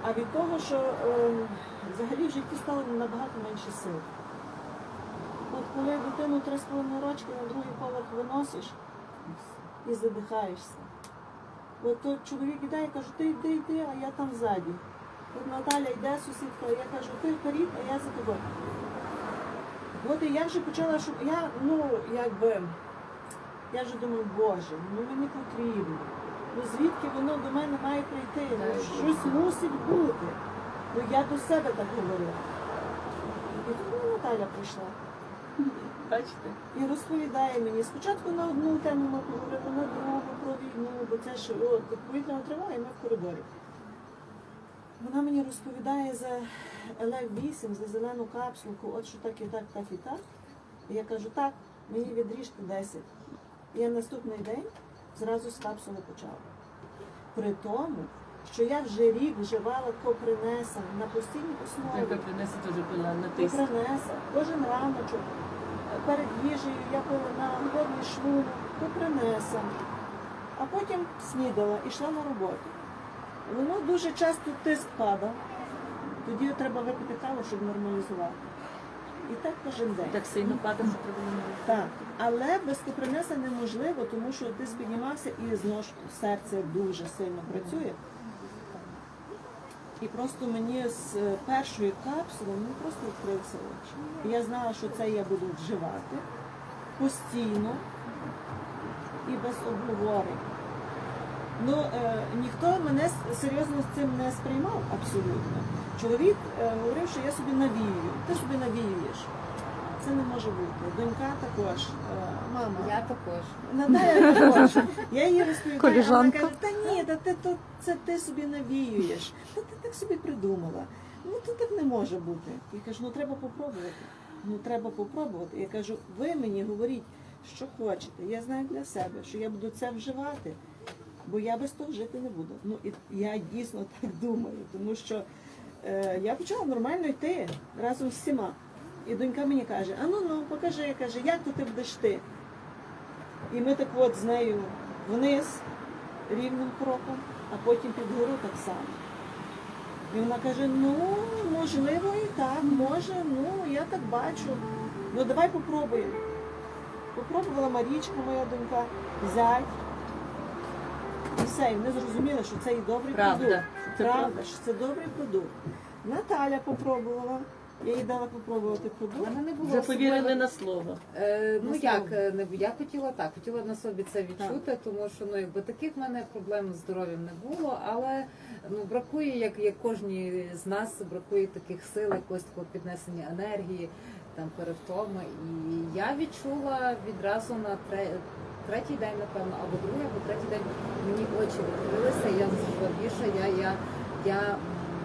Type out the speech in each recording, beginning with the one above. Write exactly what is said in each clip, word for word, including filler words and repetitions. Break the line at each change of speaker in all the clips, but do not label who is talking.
а від того, що е, взагалі в житті стало набагато менше сил. От коли дитину три з половиною рочки на другий поверх виносиш і задихаєшся. От той чоловік іде, я кажу, ти йди, йди, а я там ззаді. От Наталя йде, сусідка, я кажу, ти вперед, а я за тобою. От і я вже почала, щоб я, ну, якби, я вже думаю, Боже, ну мені потрібно. Ну звідки воно до мене має прийти? Ну, щось мусить бути. Ну я до себе так говорила. І тому Наталя прийшла.
Бачите?
І розповідає мені. Спочатку на одну тему ми поговорили, на другу про війну, бо це ж от, повітряна тривога, і ми в коридорі. Вона мені розповідає за ел еф вісім, за зелену капсулку, от що так і так, так і так. І я кажу, так, мені відріжте десять. І я наступний день зразу з капсули почала. При тому, що я вже рік вживала копринеса на постійній основі.
Яка принесе теж пила на тиск.
Копринеса, кожен раночок, перед їжею я пила на голодний шлунок, копринеса. А потім снідала і йшла на роботу. Воно дуже часто тиск падав. Тоді треба випити каву, щоб нормалізувати. І так кожен день.
Так сильно падав, що треба не робити.
Так, але без копринеса неможливо, тому що ти піднімався і знову ж серце дуже сильно працює. І просто мені з першої капсули мені просто відкрився очі. І я знала, що це я буду вживати постійно і без обговорень. Ну, е, ніхто мене серйозно з цим не сприймав абсолютно. Чоловік е, говорив, що я собі навіюю. Ти собі навіюєш. Це не може бути. Донька також. Е, мама.
Я також.
Наталя також. Я їй розповідаю, а вона
Коліжанка.
каже, та ні, та ти, то, це ти собі навіюєш. Та ти так собі придумала. Ну, то так не може бути. Я кажу, ну треба попробувати. Ну треба попробувати. Я кажу, ви мені говоріть, що хочете. Я знаю для себе, що я буду це вживати. Бо я без того жити не буду. Ну, і я дійсно так думаю, тому що е, я почала нормально йти разом з всіма. І донька мені каже, а ну ну, покажи, каже, як то ти будеш йти? І ми так от з нею вниз, рівним кроком, а потім під гору так само. І вона каже, ну, можливо і так, може, ну, я так бачу. Ну, давай попробуємо. Попробувала Марічка, моя донька, зять. І все, і вони зрозуміли, що це і добрий
Правда.
продукт.
Це
Правда,
правда.
що це добрий продукт. Наталя попробувала. Я їй дала попробувати
У
продукт.
мене не було
Вже повірили
особливо-
на слово.
Е, ну
На
як,
слово.
е, не я хотіла так, хотіла на собі це відчути, тому що ну якби таких в мене проблем з здоров'ям не було, але ну бракує, як, як кожній з нас, бракує таких сил, якогось такого піднесення енергії, там перевтоми. І я відчула відразу на тре, третій день, напевно, або другий, або третій день мені очі відкрилися, я зажила більше, я, я, я м,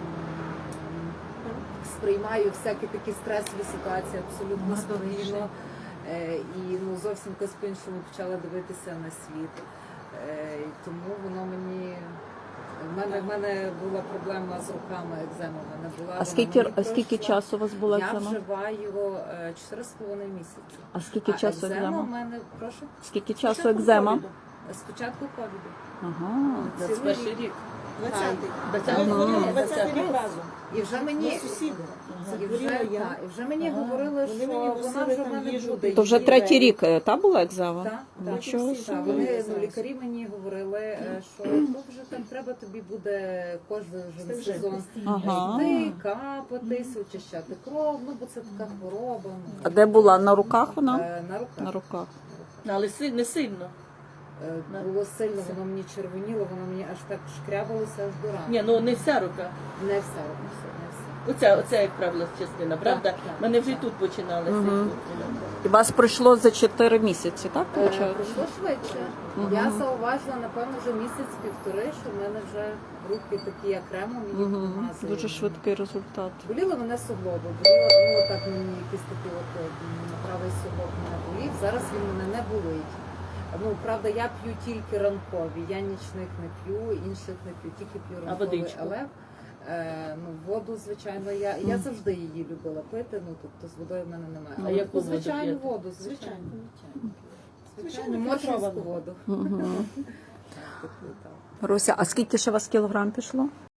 сприймаю всякі такі стресові ситуації абсолютно спокійно. Е, І ну, зовсім якось по-іншому почала дивитися на світ. Е, І тому воно мені... В мене, в мене була проблема з руками, екзема в мене була.
А
вона
скільки,
мені
а скільки
пройшла.
часу у вас була
Я
екзема?
вживаю е, чотири з половиною місяці.
А скільки
А
часу
екзема в
екзема?
мене, прошу,
Скільки часу
Спочатку
екзема?
ковіду.
спочатку ковіду.
Ага.
двадцять перший рік.
двадцятий.
двадцятий.
Ми хворіли
Ага.
двадцятий рік разом.
І вже
Ми
мені...
сусіди.
І вже,
Захворіла я.
та, і вже мені
Ага.
говорили,
Вони
що
мені
вона
носили
вже в
там
мене
їжу,
буде.
То вже
Її
третій
вели.
рік е, та була екзема?
Так, так.
Нічого
Всі
собі.
Так, вони, ну,
зараз.
лікарі мені говорили, е, що тут вже там треба тобі буде кожен вже
Це вже
сезон
Ага.
йти, капатись, очищати кров, ну бо це така хвороба. ну,
А де була? На руках вона?
е, На руках.
На руках.
Ну, але си- не сильно.
Е, Було сильно, воно мені червоніло, воно мені аж так шкрябалося аж до рани.
Ні, ну не вся рука.
Не все, не все, не все.
Оця, оця як правило, частина, правда?
так,
Мене вже й
так.
тут починалося.
Мгм. І вас пройшло за чотири місяці, так?
Е,
виходить?
Пройшло швидше.
Мгм.
Я зауважила, напевно, вже місяць-півтори, що в мене вже руки такі як кремо, мені
Угу.
намазують.
Дуже швидкий результат.
Боліли мене суглоби, боліло, ну так мені якийсь такий от е, м, правий суглоб мене болів. Зараз він мене не болить. Ну, правда, я п'ю тільки ранкові, я нічних не п'ю, інших не п'ю, тільки п'ю
А
ранковий
водичку?
елев. Е, ну, воду, звичайно, я, я завжди її любила пити, ну, тобто з водою в мене немає.
А
Але
яку
таку
воду
звичайну
п'єте?
воду, звичайно.
Звичайно.
Звичайно,
Звичайно,
моршинську
фільтровану.
воду.
Угу.
Так, таку, так.
Руся, а скільки ще у вас кілограм пішло?